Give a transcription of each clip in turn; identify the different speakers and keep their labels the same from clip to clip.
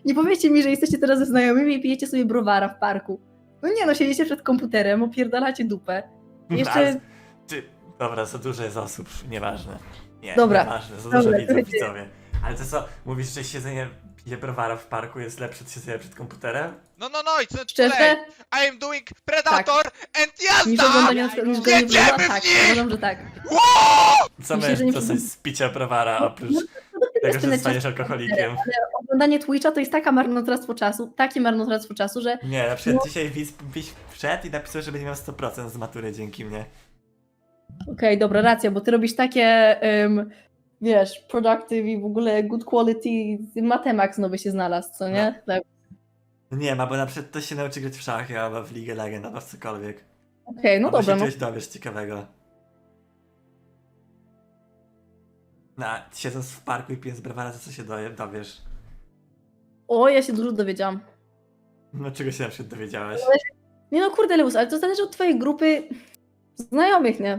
Speaker 1: Nie powiecie mi, że jesteście teraz ze znajomymi i pijecie sobie browara w parku. No nie no, siedzicie przed komputerem, opierdalacie dupę. I jeszcze...
Speaker 2: Dobra, za dużo jest osób, nieważne. Nie,
Speaker 1: Dobra,
Speaker 2: nieważne, za
Speaker 1: dobra,
Speaker 2: dużo widzów,
Speaker 1: słuchajcie.
Speaker 2: widzowie. Ale to co, mówisz, że siedzenie pije browara w parku jest lepsze od siedzenia przed komputerem?
Speaker 3: No it's not too
Speaker 1: Szczerze?
Speaker 3: late. I am doing Predator and
Speaker 1: Niż
Speaker 3: jazda!
Speaker 1: oglądanie na przykład, niż granie w
Speaker 3: Jedziemy
Speaker 1: LoL'a?
Speaker 3: w
Speaker 1: Tak,
Speaker 3: nich!
Speaker 1: uważam, że tak.
Speaker 2: Co
Speaker 1: Myślę, że
Speaker 2: my
Speaker 1: nie
Speaker 2: dostać z picia browara, oprócz tego, że
Speaker 1: tyle
Speaker 2: zostaniesz
Speaker 1: czasu,
Speaker 2: alkoholikiem?
Speaker 1: ale oglądanie Twitcha to jest takie marnotrawstwo czasu, że
Speaker 2: Nie, na przykład
Speaker 1: No.
Speaker 2: dzisiaj Wiś wszedł i napisał, że będzie miał 100% z matury dzięki mnie.
Speaker 1: okej, dobra, racja, bo ty robisz takie, wiesz, productive i w ogóle good quality, Matemax nowy się znalazł, co nie? Tak.
Speaker 2: Nie ma, bo na przykład to się nauczy grać w szachy, albo w League Legend, albo w cokolwiek.
Speaker 1: Okej, no
Speaker 2: Albo
Speaker 1: dobra,
Speaker 2: się
Speaker 1: no.
Speaker 2: czegoś dowiesz ciekawego. No, siedząc w parku i pijąc browara, to co się dowiesz?
Speaker 1: O, ja się dużo dowiedziałam.
Speaker 2: No czego się na przykład dowiedziałeś?
Speaker 1: Nie no, kurde, Lewus, ale to zależy od twojej grupy znajomych, nie?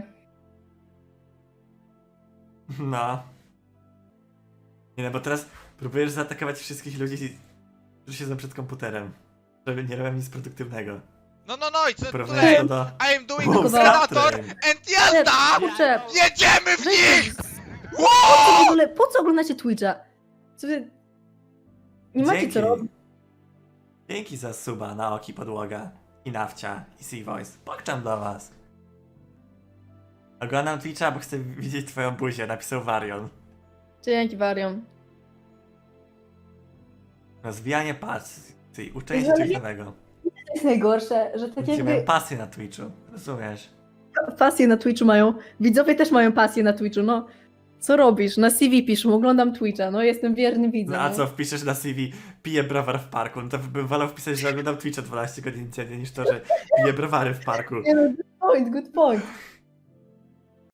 Speaker 2: No. Nie no, bo teraz próbujesz zaatakować wszystkich ludzi, którzy siedzą przed komputerem. Żeby nie robią nic produktywnego.
Speaker 3: No it's not too
Speaker 2: Porównujesz
Speaker 3: late.
Speaker 2: to do...
Speaker 3: I am doing
Speaker 2: Wow,
Speaker 3: Predator
Speaker 2: Skyrim.
Speaker 3: and jazda!
Speaker 1: Kurczę,
Speaker 3: Jedziemy w nich!
Speaker 1: po co oglądacie Twitcha? Co wy... Nie macie co robić.
Speaker 2: Dzięki za suba na Oki Podłoga i Nawcia i Sea-Voice. Pokczam dla was. Oglądam Twitcha, bo chcę widzieć twoją buzię, napisał Varion.
Speaker 1: Dzięki, Warion.
Speaker 2: Rozwijanie pasji, uczenie się
Speaker 1: Ale
Speaker 2: czegoś
Speaker 1: nie-
Speaker 2: nowego.
Speaker 1: To jest najgorsze, że tak
Speaker 2: Ludzie mają
Speaker 1: jakby
Speaker 2: pasję na Twitchu, rozumiesz?
Speaker 1: pasję na Twitchu mają, widzowie też mają pasję na Twitchu, no. Co robisz? Na CV piszą, oglądam Twitcha, no jestem wierny widzem.
Speaker 2: No a co, wpiszesz na CV, piję browar w parku, no to bym wolał wpisać, że oglądam Twitcha 12 godzin dziennie, niż to, że piję browary w parku.
Speaker 1: Nie no, good point, good point.